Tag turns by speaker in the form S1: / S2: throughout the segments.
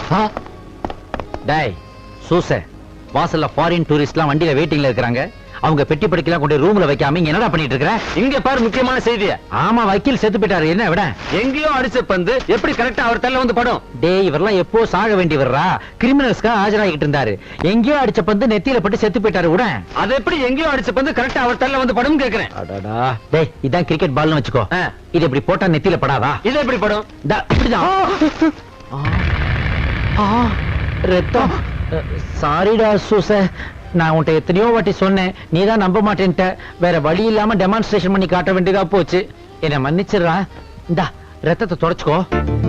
S1: டேய் சூச, வாசல்ல ஃபாரின் டூரிஸ்ட்லாம் வண்டியில வெயிட்டிங்ல இருக்காங்க. அவங்க பெட்டி படிக்கலாம் கொண்டு ரூம்ல வைக்காம இங்க என்னடா பண்ணிட்டு இருக்கற?
S2: இங்க பாரு முக்கியமான செய்திய.
S1: ஆமா, வக்கீல் செத்து போயிட்டாரு. என்ன விட?
S2: எங்கேயோ அடிச்ச பந்து எப்படி கரெக்டா அவர் தள்ள வந்து படும்?
S1: டேய், இவரெல்லாம் எப்போ சாக வேண்டியவரா? கிரிமினல்ஸ்க்கு ஆஜராகிட்டு இருந்தாரு. எங்கேயோ அடிச்ச பந்து நெத்தியில பட்டு செத்து போயிட்டாரு. விட
S2: அது எப்படி எங்கேயோ அடிச்ச பந்து கரெக்டா அவர் தள்ள வந்து படும் கேக்குறேன்.
S1: அடடா. டேய், இதான் கிரிக்கெட் பால்னு வச்சுக்கோ. இது இப்படி போட்டா நெத்தியில படாதா?
S2: இது எப்படி படும்?
S1: இப்படிதான். ரத்தம். சாரிடா சூச, நான் உன்கிட்ட எத்தனையோ வாட்டி சொன்னேன், நீதான் நம்ப மாட்டேன்ட்ட. வேற வழி இல்லாம டெமான்ஸ்ட்ரேஷன் பண்ணி காட்ட வேண்டியதா போச்சு. என்ன மன்னிச்சிடுறா. இந்தா ரத்தத்தை தொடச்சுக்கோ.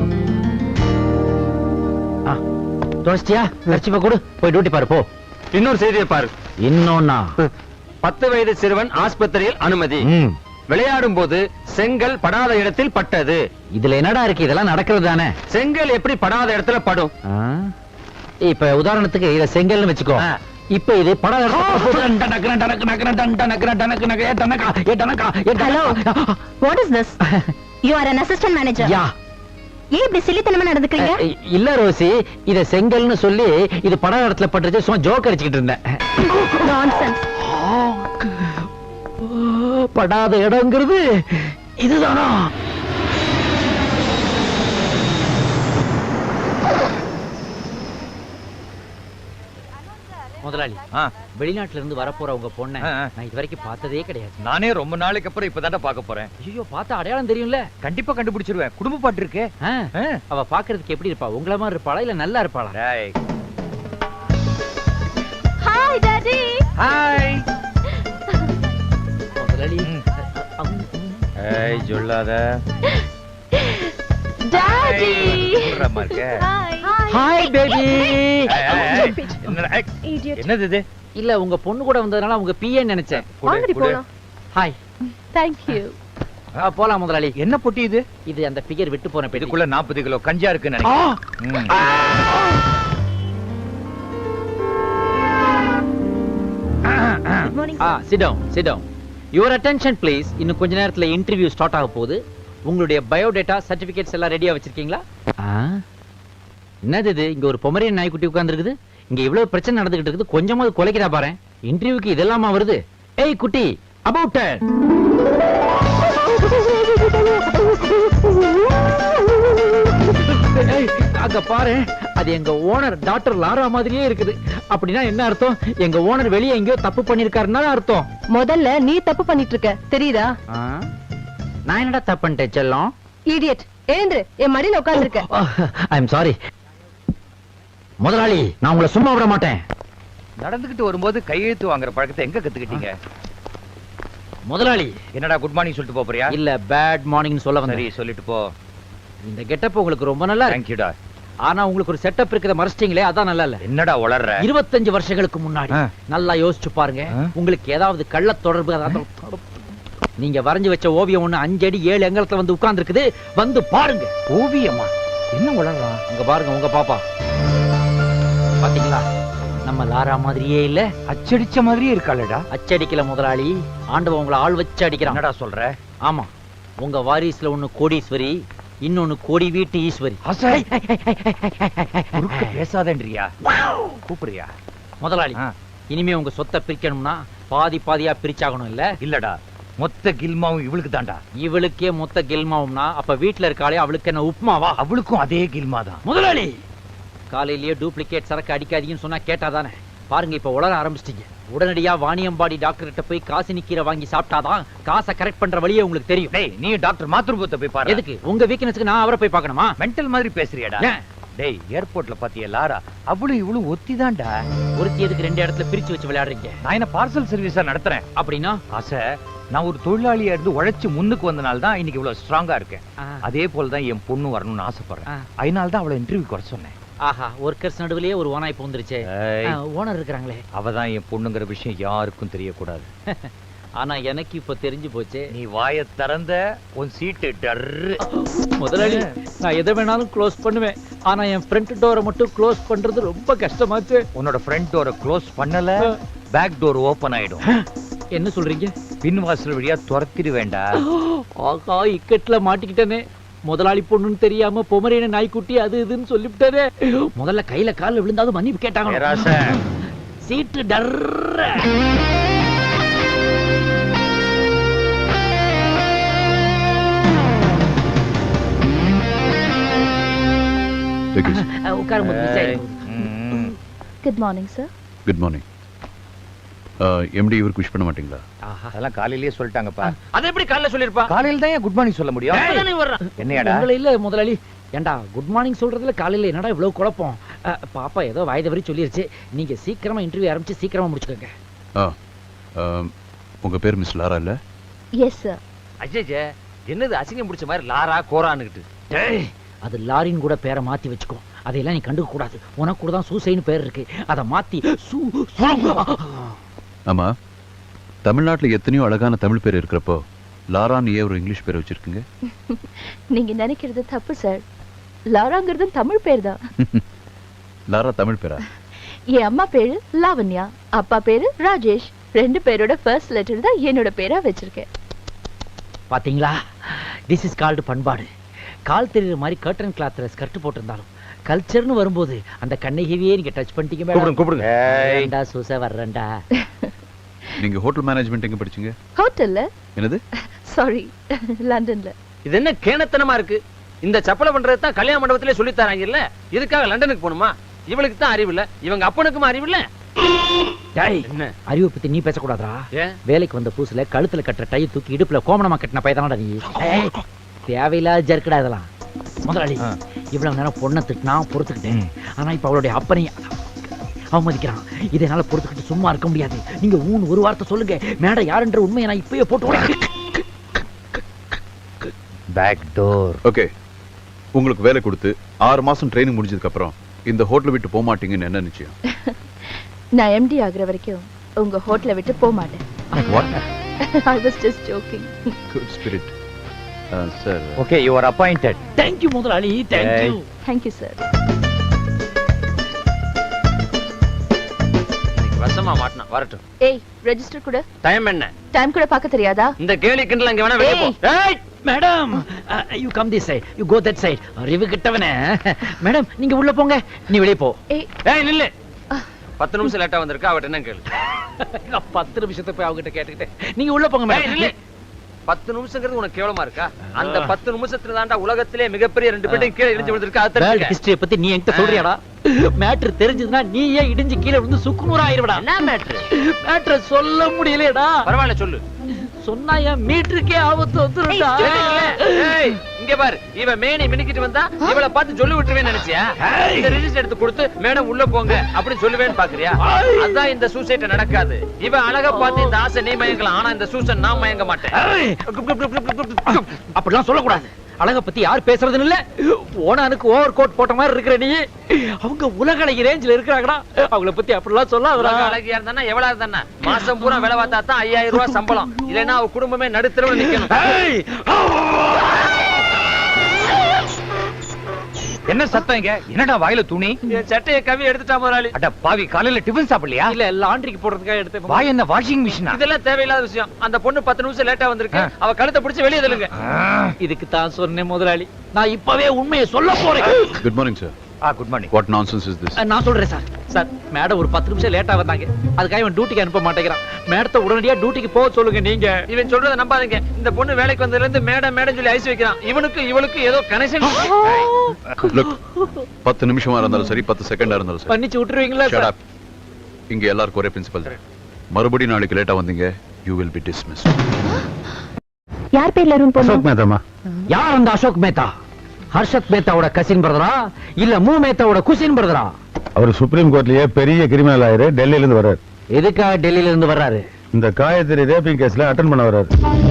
S1: தொடச்சிட்டியா? கர்ச்சிப்பை கொடு, போய் டியூட்டி பாரு போ.
S2: இன்னொரு செய்தியை பாரு.
S1: இன்னொன்னா?
S2: 10 வயது சிறுவன் ஆஸ்பத்திரியில் அனுமதி. விளையாடும் போது செங்கல் படாத இடத்தில் பட்டது.
S1: இதுல என்னடா இருக்கு? இதெல்லாம் நடக்கிறது தானே.
S2: செங்கல் எப்படி படாத இடத்துல படும்?
S1: இப்ப உதாரணத்துக்கு இத செங்கல்னு வச்சுக்கோ. இப்ப இது படாத
S3: Hello, what is this? You are an assistant manager.
S1: யா.
S3: ஏன் இப்படி சில்லித்தனமா நடந்துக்கிறீங்க?
S1: இல்ல ரோசி, இத செங்கல்னு சொல்லி இது படாத இடத்துல பட்டுச்சு, சும்மா ஜோக் அடிச்சுக்கிட்டு இருந்தேன்.
S3: Nonsense.
S1: படாத இடங்கிறது இதுதானா? முதலாளி, வெளிநாட்டுல இருந்து வரப்போற உங்க பொண்ணை நான் இது வரைக்கும் பார்த்ததே கிடையாது.
S2: நானே ரொம்ப நாளைக்கு அப்புறம் இப்பதான்டா பார்க்க போறேன்.
S1: ஐயோ, பார்த்தா அடையாளம் தெரியும்ல?
S2: கண்டிப்பா கண்டுபிடிச்சிருவேன். குடும்ப பாட்டு இருக்கே.
S1: அவ பாக்குறதுக்கு எப்படி இருப்பா? உங்கள மாதிரி இருப்பாளா இல்ல நல்லா இருப்பாளா?
S3: Hi daddy.
S2: ஹாய்
S1: முதலாளி.
S2: ஏய் சொல்லாத.
S3: Daddy.
S2: குறமா இருக்க.
S1: Hi baby.
S2: என்னது இது?
S1: இல்ல, உங்க பொண்ணு கூட வந்ததனால உங்க பிஏ நினைச்சேன்.
S3: வாங்கடி போலாம்.
S1: ஹாய்.
S3: Thank you.
S1: போலாம் முதலாளி.
S2: என்ன பொட்டி இது?
S1: இது அந்த பிகர் விட்டு போன பெட்டி.
S2: இதுக்குள்ள 40 கிலோ கஞ்சா இருக்குன்னு நினைக்கிறேன்.
S3: Good morning.
S1: Sit down, sit down. Your attention please. இன்னும் கொஞ்ச நேரத்துல இன்டர்வியூ ஸ்டார்ட் ஆக போகுது. உங்களுடைய பயோடேட்டா சர்டிபிகேட்ஸ் எல்லாம் ரெடியா வச்சிருக்கீங்களா? என்னது இது? இங்க ஒரு பொமரியன் நாய்க்குட்டி உட்கார்ந்துருக்குது. இங்க இவ்வளவு பிரச்சனை நடந்துகிட்டு இருக்குது, கொஞ்சமாவது குலைக்கிறா பாரு. இன்டர்வியூக்கு இதெல்லாமா வருது? ஏய் குட்டி, அபவுட் டர்ன். அங்க பாரு, அது எங்க ஓனர் டாக்டர் லாரா மாதிரியே இருக்குது. அப்படின்னா என்ன அர்த்தம்? எங்க ஓனர் வெளியே எங்கேயோ தப்பு பண்ணிருக்காருன்னா அர்த்தம்.
S3: முதல்ல நீ தப்பு பண்ணிட்டு இருக்க, தெரியுதா?
S1: நான் என்னடா தப்பு பண்ணிட்டேன் செல்லம்?
S3: Idiot. ஏந்திரு, என் மடியில உட்கார்ந்திருக்க.
S1: I am sorry. முதலாளி, நான் உங்களை சும்மா விட மாட்டேன்.
S2: நடந்துகிட்டு வரும்போது கையெழுத்து வாங்குற பழக்கத்தை எங்க கத்துக்கிட்டீங்க?
S1: முதலாளி.
S2: என்னடா குட் மார்னிங் சொல்லிட்டு போறியா?
S1: இல்ல, பேட் மார்னிங் சொல்ல வந்தேன்.
S2: சரி, சொல்லிட்டு போ.
S1: இந்த கெட்டப் உங்களுக்கு ரொம்ப நல்லா இருக்கு.
S2: Thank you டா.
S1: ஆனா உங்களுக்கு ஒரு செட்டப் இருக்குத மறைச்சிட்டீங்களே, அதான் நல்லா இல்ல.
S2: என்னடா உளறற?
S1: 25 வருஷங்களுக்கு முன்னாடி நல்லா யோசிச்சு பாருங்க. உங்களுக்கு ஏதாவது கள்ள தொடர்பு நீங்க வரைஞ்சு வச்ச ஓவியம் ஒண்ணு 5 அடி 7 அங்குலத்துல வந்து உட்கார்ந்து இருக்குது. வந்து பாருங்க.
S2: ஓவியமா? என்ன உளறறான்?
S1: அங்க பாருங்க, உங்க பாப்பா. பாத்தீங்களா? நம்ம லாரா மாதிரியே இல்ல?
S2: அச்சடிச்ச மாதிரியே இருக்காளடா.
S1: அச்சடிக்கல முதலாளி, ஆண்டவன் உங்களை ஆள் வச்சு அடிக்கிறான்.
S2: என்னடா சொல்ற?
S1: ஆமா, உங்க வாரிசுல ஒண்ணு கோடீஸ்வரி, இன்னொன்னு கோடி வீட்டு ஈஸ்வரி.
S2: பேசாதன்றியா? கூப்பிடுறியா?
S1: முதலாளி, இனிமே உங்க சொத்தை பிரிக்கணும்னா பாதி பாதியா பிரிச்சாகணும் இல்ல?
S2: இல்லடா, மொத்த கில்மாவும் இவளுக்கு தாண்டா.
S1: இவளுக்கே மொத்த கில்மாவும்னா அப்ப வீட்டுல இருக்காளே அவளுக்கு என்ன உப்புமாவா?
S2: அவளுக்கும் அதே கில்மா தான்.
S1: முதலாளி, காலையிலேயே டூப்ளிகேட் சரக்கு அடிக்காதீங்கன்னு சொன்னா கேட்டாதானே? பாருங்க, இப்ப உளர ஆரம்பிச்சிட்டீங்க. உடனடியா வாணியம்பாடி டாக்டர் கிட்ட போய் காசினி கீரை வாங்கி சாப்பிட்டாதான் காசை கரெக்ட் பண்ற வழியே உங்களுக்கு தெரியும்.
S2: டேய், நீ டாக்டர் மாத்ருபத்தை போய் பாரு.
S1: எதுக்கு? உங்க வீக்னஸ்க்கு நான் அவரை போய் பார்க்கணுமா?
S2: மென்டல் மாதிரி பேசுறியாடா? டேய், ஏர்போர்ட்ல பாத்தியா லாரா? அவளும் இவளும் ஒத்திதான்டா.
S1: ஒருத்தி எதுக்கு 2 இடத்துல பிரிச்சு வச்சு விளையாடுறீங்க?
S2: நான் என்ன பார்சல் சர்வீஸா நடத்துறேன்?
S1: அப்படின்னா
S2: ஆசை, நான் ஒரு தொழிலாளியா இருந்து உழைச்சு முன்னுக்கு வந்தனால தான் இன்னைக்கு இவ்வளவு ஸ்ட்ராங்கா இருக்கேன். அதே போலதான் என் பொண்ணு வரணும்னு ஆசைப்படுறேன். அதனால தான் அவளை இன்டர்வியூ குறை சொன்னேன்.
S1: ஆஹா, ஒர்க்கர்ஸ் நடுவுலயே ஒரு ஓனாய் பூந்துருச்சே. ஓனர் இருக்காங்களே,
S2: அவதான் என் பொண்ணுங்கிற விஷயம் யாருக்கும் தெரியக்கூடாது.
S1: ஆனா எனக்கு இப்ப தெரிஞ்சு போச்சு.
S2: நீ வாயை திறந்த உன் சீட்டு டர்ரு.
S1: முதலாளி, நான் எதை வேணாலும் க்ளோஸ் பண்ணுவேன். ஆனா என் ஃப்ரண்ட் டோரை மட்டும் க்ளோஸ் பண்றது ரொம்ப கஷ்டமாச்சு.
S2: உன்னோட ஃப்ரண்ட் டோரை க்ளோஸ் பண்ணல, பேக் டோர் ஓபன் ஆயிடும்.
S1: என்ன சொல்றீங்க?
S2: பின் வாசல் வழியா துரத்திடு வேண்டாம்.
S1: ஆகா, இக்கட்ல மாட்டிக்கிட்டேனே. முதலாளி பொண்ணுன்னு தெரியாம பொமரேன நாய்க்குட்டி அது இதுன்னு சொல்லிவிட்டாரே. முதல்ல கையில கால்ல விழுந்தாலும் மன்னிப்பு கேட்டாங்க.
S2: பேராசை.
S1: சீட்டு டர்ற. உட்காரும்
S3: good morning sir.
S4: Good morning. MD இவருக்கு விஷ் பண்ண மாட்டீங்களா?
S2: அதெல்லாம் காலையிலேயே சொல்லிட்டாங்கப்பா.
S1: அது எப்படி காலைல சொல்லிருப்பா?
S2: காலையில தான் குட் மார்னிங் சொல்ல முடியும். என்னையாடா?
S1: உங்களை இல்ல முதலாளி. ஏண்டா குட் மார்னிங் சொல்றதுல காலையில என்னடா இவ்வளவு குழப்பம்? பாப்பா ஏதோ வாய்தவரி சொல்லிருச்சு. நீங்க சீக்கிரமா இன்டர்வியூ ஆரம்பிச்சு சீக்கிரமா முடிச்சுக்கோங்க.
S4: உங்க பேர் மிஸ் லாரா இல்ல?
S3: Yes sir.
S2: அஜய் என்னது அசிங்கம் பிடிச்ச மாதிரி லாரா கோரான்னுகிட்டு.
S1: டேய், அது லாரின் கூட பேரை மாத்தி வச்சுக்கோ. அதையெல்லாம் நீ கண்டுக்க கூடாது. உனக்கு கூட தான் சூசைன்னு பேர் இருக்கு. அதை மாத்தி
S4: ஆமா, தமிழ்நாட்டுல எத்தனையோ அழகான தமிழ் பேர் இருக்கிறப்போ லாரான்னு ஏன் ஒரு இங்கிலீஷ் பேர் வச்சிருக்கீங்க?
S3: நீங்க நினைக்கிறது தப்பு சார். லாராங்கிறது தமிழ் பேர் தான்.
S4: லாரா தமிழ் பேரா?
S3: என் அம்மா பேரு லாவண்யா, அப்பா பேரு ராஜேஷ். ரெண்டு பேரோட ஃபர்ஸ்ட் லெட்டர் தான் என்னோட பேரா வச்சிருக்கேன்.
S1: பாத்தீங்களா? திஸ் இஸ் கால்டு பண்பாடு. கால் தெரியுற மாதிரி கர்டன் கிளாத்ல ஸ்கர்ட் போட்டிருந்தாலும் கல்ச்சர்னு வரும்போது அந்த கண்ணகிவியே நீங்க டச் பண்ணிட்டீங்க.
S2: கூப்பிடுங்க.
S1: ஏண்டா சூசை வர்றேன்டா.
S4: நீங்க ஹோட்டல் மேனேஜ்மெண்ட் எங்க படிச்சீங்க?
S3: ஹோட்டல்ல.
S4: என்னது?
S3: சாரி, லண்டன்ல.
S5: இது என்ன கேணத்தனமா இருக்கு? இந்த சப்பலை பண்றது தான் கல்யாண மண்டபத்திலே சொல்லி தராங்க இல்ல? இதுக்காக லண்டனுக்கு போகணுமா? இவளுக்கு தான் அறிவு இல்ல, இவங்க அப்பனுக்கும் அறிவு இல்ல.
S1: டேய்,
S5: என்ன
S1: அறிவை பத்தி நீ பேசக்கூடாதா?
S5: ஏன்?
S1: வேலைக்கு வந்த புதுசுல கழுத்துல கட்டுற டை தூக்கி இடுப்புல கோமணமா கட்டின பையதானடா நீ. தேவையில்லாத ஜர்க்கடா இதெல்லாம். முதலாளி இவ்வளவு நேரம் பொண்ணை திட்டினா பொறுத்துக்கிட்டேன். ஆனா இப்ப அவளுடைய அப்பனையும் அவமதிக்கிறான். இதை என்னால பொறுத்துக்கிட்டு சும்மா இருக்க முடியாது. நீங்க ஒரு வார்த்தை சொல்லுங்க. மேடம் யாருன்ற உண்மையை நான் இப்பயே போட்டு
S2: பேக் டோர்.
S4: ஓகே, உங்களுக்கு வேலை கொடுத்து 6 மாசம் ட்ரைனிங் முடிஞ்சதுக்கு அப்புறம் இந்த ஹோட்டலை விட்டு போக மாட்டீங்கன்னு என்ன நிச்சயம்?
S3: நான் எம்டி ஆகுற வரைக்கும் உங்க ஹோட்டலை விட்டு போக மாட்டேன்.
S4: What?
S3: I was just joking.
S4: Good spirit. Sir.
S2: Okay, you are appointed.
S1: Thank you முதலாளி. Thank you.
S3: Thank you sir.
S5: வசமா மாட்டனா வரட்டும்.
S3: ஏய், ரெஜிஸ்டர் கூட.
S5: டைம் என்ன?
S3: டைம் கூட பார்க்க தெரியாதா?
S5: இந்த கேலி கிண்டல் அங்க வேணா வெளிய போ. ஏய்
S1: madam, you come this side. You go that side. அறிவு கிட்டவனே. மேடம் நீங்க உள்ள போங்க. நீ வெளிய போ.
S3: ஏய்,
S5: ஏய் நில்லு. 10 நிமிஷம் லேட்டா வந்திருக்கா, அவட்ட என்ன கேளு.
S1: 10 நிமிஷத்தை போய் அவகிட்ட கேட்டுக்கிட்டே நீங்க உள்ள போங்க
S5: ஏய் நில்லு.
S1: மேடம்.
S5: 10 நிமிஷங்கிறது உனக்கு கேவலமா இருக்கா? அந்த 10 நிமிஷத்துல தான்டா உலகத்திலே மிகப்பெரிய 2 பேரும் கீழே இடிஞ்சு விழுந்திருக்கா. அது
S1: வேர்ல்ட்
S5: தெரிஞ்சுக்க.
S1: ஹிஸ்டரி பத்தி நீ என்கிட்ட சொல்றியாடா? மேட்டர் தெரிஞ்சதுன்னா நீ ஏன் இடிஞ்சு கீழே விழுந்து சுக்குநூறு ஆயிருவடா.
S5: என்ன மேட்ரு?
S1: மேட்டர் சொல்ல முடியலடா.
S5: பரவாயில்ல சொல்லு.
S1: சொன்னா என் மீட்டருக்கே ஆபத்து வந்துருடா.
S5: ஏய் இங்க பாரு, இவ மேனி மினிக்கிட்டு வந்தா இவளை பார்த்து சொல்லி விட்டுருவேன்னு நினைச்சியா? இந்த ரெஜிஸ்டர் எடுத்து கொடுத்து மேடம் உள்ள போங்க அப்படி சொல்லுவேன்னு பாக்குறியா? அதான் இந்த சூசைட் நடக்காது. இவ அழகா பார்த்து இந்த ஆசை நீ மயங்கலாம், ஆனா இந்த சூசன் நான் மயங்க மாட்டேன்.
S1: அப்படிலாம் சொல்லக்கூடாது. அழக பத்தி யார் பேசுறதுன்னு இல்ல. ஓனானுக்கு ஓவர் கோட் போட்ட மாதிரி இருக்கிற நீ. அவங்க உலக அழகி ரேஞ்சில இருக்கிறாங்கடா. அவங்கள பத்தி அப்படிலாம் சொல்லாதடா.
S5: அழகியா இருந்தா எவ்வளவு இருந்தா மாசம் பூரா வேலை பார்த்தா தான் 5000 ரூபாய் சம்பளம். இல்லைன்னா அவ குடும்பமே நடுத்தரவுல நிக்கணும்.
S2: என்ன சத்தம் இங்க? என்னடா வாயில துணி?
S5: என் சட்டையை கவி எடுத்துட்டா முதலாளி.
S2: அட பாவி, காலையில டிபன் சாப்பிடலையா?
S1: இல்ல லாண்டரிக்கு போடுறதுக்காக எடுத்து.
S2: வாய் என்ன வாஷிங் மிஷினா?
S5: இதெல்லாம் தேவையில்லாத விஷயம். அந்த பொண்ணு 10 நிமிஷம் லேட்டா வந்திருக்கு. அவ கழுத்தை பிடிச்சு வெளியே தள்ளுங்க.
S1: இதுக்கு தான் சொன்னேன் முதலாளி. நான் இப்பவே உண்மையை சொல்ல போறேன்.
S4: Good morning, sir.
S2: Good morning.
S4: What nonsense is this?
S1: நான் சொல்றேன் சார். சார் மேடம் ஒரு 10 நிமிஷம் லேட்டா வந்தாங்க. அதுக்காக இவன் டியூட்டிக்கு அனுப்ப மாட்டேங்கிறான். மேடத்தை உடனடியா டியூட்டிக்கு போக சொல்லுங்க நீங்க.
S5: இவன் சொல்றத நம்பாதீங்க. இந்த பொண்ணு வேலைக்கு வந்ததுல இருந்து மேடம் மேடம் சொல்லி ஐஸ் வைக்கிறான். இவனுக்கு இவளுக்கு ஏதோ கனெக்ஷன்.
S4: Look, 10 நிமிஷமா இருந்தாலும் சரி 10 செகண்டா இருந்தாலும் சரி.
S1: பண்ணிச்சு விட்டுருவீங்களா
S4: Shut
S1: சார்?
S4: up. இங்க எல்லாருக்கும் ஒரே பிரின்சிபல் தான். மறுபடியும் நாளைக்கு லேட்டா வந்தீங்க, you will be dismissed.
S3: யார் பேர்ல ரூம் போறோம்?
S4: மேதாமா.
S1: யார் அந்த அசோக் மேத்தா? ஹர்ஷத் மேத்தாவோட கசின் பிரதரா இல்ல மூ மேத்தாவோட குசின் பிரதரா?
S6: அவர் சுப்ரீம் கோர்ட்லயே பெரிய கிரிமினல் ஆயிரு, டெல்லியில இருந்து வர்றாரு.
S1: எதுக்காக டெல்லியில இருந்து வர்றாரு?
S6: இந்த காயத்ரி ரேப்பிங் கேஸ்ல அட்டெண்ட் பண்ண வர்றாரு.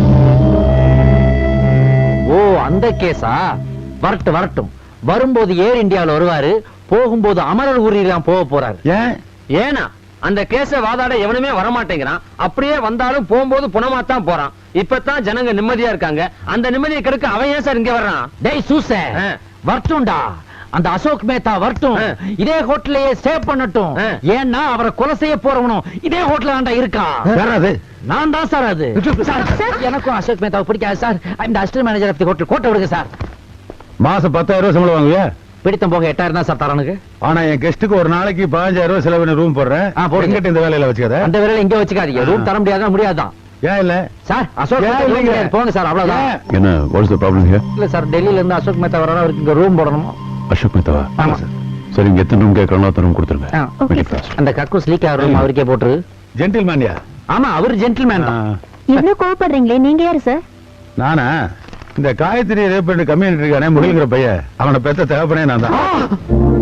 S1: ஓ அந்த கேஸா? வரட்டும். வரும்போது ஏர் இந்தியாவில் வருவாரு, போகும்போது அமரர் ஊரில் தான் போக போறாரு.
S5: ஏனா அந்த கேஸ வாதாட எவனுமே வரமாட்டேங்கிறான். அப்படியே வந்தாலும் போகும்போது புனமாத்தான் போறான். இப்பதான் ஜனங்க நிம்மதியா இருக்காங்க. அந்த நிம்மதியை கெடுக்க அவன் ஏன் சார் இங்க வர்றான்?
S1: டேய் சூசே, வரட்டும்டா. அந்த அசோக் மேத்தா வரட்டும். இதே ஹோட்டலையே ஸ்டே பண்ணட்டும். ஏன்னா அவரை கொலை செய்ய போறவனும் இதே ஹோட்டல்ல தான்டா இருக்கான். நான் தான் சார் அது. சார், எனக்கும் அசோக் மேத்தாவை பிடிக்காது சார். இந்த assistant manager of the hotel. கோட்டை விடுங்க சார்.
S6: மாசம் 10,000 ரூபாய் சம்பளம் வாங்குவியா?
S1: பிடித்தம் போக 8,000 தான் சார் தரனுக்கு.
S6: ஆனா என் கெஸ்டுக்கு ஒரு நாளைக்கு 15,000 ரூபாய் செலவு ரூம் போடுறேன்.
S1: போடுங்க.
S6: எங்கிட்ட இந்த வேலையில வச்சுக்காத.
S1: அந்த வேலையில இங்க வச்சுக்காதீங்க. ரூம் தர முடியாதான் முடியாதான்.
S6: ஏன் இல்ல
S1: சார் அசோக்
S6: ஏன்
S1: மேத்தா
S6: இல்லைங்க?
S1: room போங்க சார் அவ்வளவுதான்.
S4: என்ன வாட்ஸ் தி ப்ராப்ளம் ஹியர்?
S1: இல்ல சார் டெல்லியில இருந்து அசோக் மேத்தா வரணும், அவருக்கு இங்க ரூம் போடணும்.
S4: அசோக் மேத்தாவா?
S1: ஆமா.
S4: சரி, இங்க எத்தனை ரூம் கேட்கறாங்களோ அத்தனை ரூம் கொடுத்துருங்க.
S3: Okay,
S4: Make it
S3: sir.
S4: fast.
S1: அந்த கக்கூஸ் லீக் ஆகிற ரூம் அவருக்கே போட்டுரு.
S6: ஜென்டில்மேன்யா?
S1: ஆமா அவர் ஜென்டில்மேன் தான்.
S3: இவ்வளவு கோவப்படுறீங்களே, நீங்க யாரு சார்?
S6: நானா? இந்த காயத்ரி ரேப் கம்யூனிட்டி இருக்கானே முருகங்கிற பையன், அவனை பெத்த தகப்பனே நான் தான்.